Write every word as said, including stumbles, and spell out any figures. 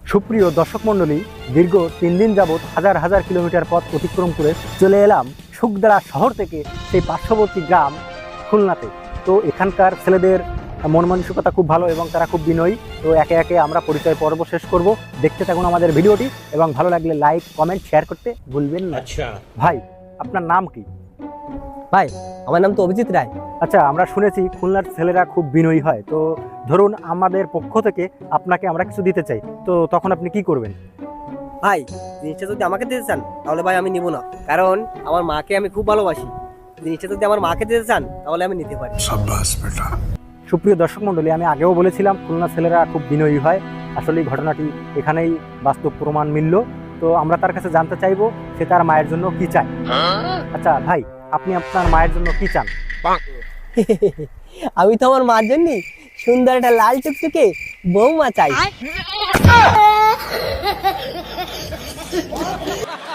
সুপ্রিয় দর্শক মণ্ডলী, দীর্ঘ তিন দিন যাবৎ হাজার হাজার কিলোমিটার পথ অতিক্রম করে চলে এলাম শুকদারা শহর থেকে সেই পার্শ্ববর্তী গ্রাম খুলনাতে। তো এখানকার ছেলেদের মন মানসিকতা খুব ভালো এবং তারা খুব বিনয়ী। তো একে একে আমরা পরিচয় পর্ব শেষ করব। দেখতে থাকুন আমাদের ভিডিওটি এবং ভালো লাগলে লাইক কমেন্ট শেয়ার করতে ভুলবেন না। আচ্ছা ভাই, আপনার নাম কি? ভাই, আমার নাম তো অভিজিৎ রায়। আচ্ছা, আমরা শুনেছি খুলনার ছেলেরা খুব বিনয়ী হয়। তো ধরুন আমাদের পক্ষ থেকে আপনাকে আমরা কিছু দিতে চাই, তো তখন আপনি কি করবেন? ভাই, জিনিসটা যদি আমাকে দিতে চান তাহলে ভাই আমি নিব না, কারণ আমার মাকে আমি খুব ভালোবাসি। জিনিসটা যদি আমার মাকে দিতে চান তাহলে আমি নিতে পারি। সুপ্রিয় দর্শক মণ্ডলী, আমি আগেও বলেছিলাম খুলনা ছেলেরা খুব বিনয়ী হয়। আসলে এই ঘটনাটি এখানেই বাস্তব প্রমাণ মিলল। তো আমরা তার কাছে জানতে চাইবো সে তার মায়ের জন্য কি চায়। আচ্ছা ভাই, আপনি আপনার মায়ের জন্য কি চান? আমি তো আমার মার জন্য সুন্দর একটা লাল টুকটুকে বৌমা চাই।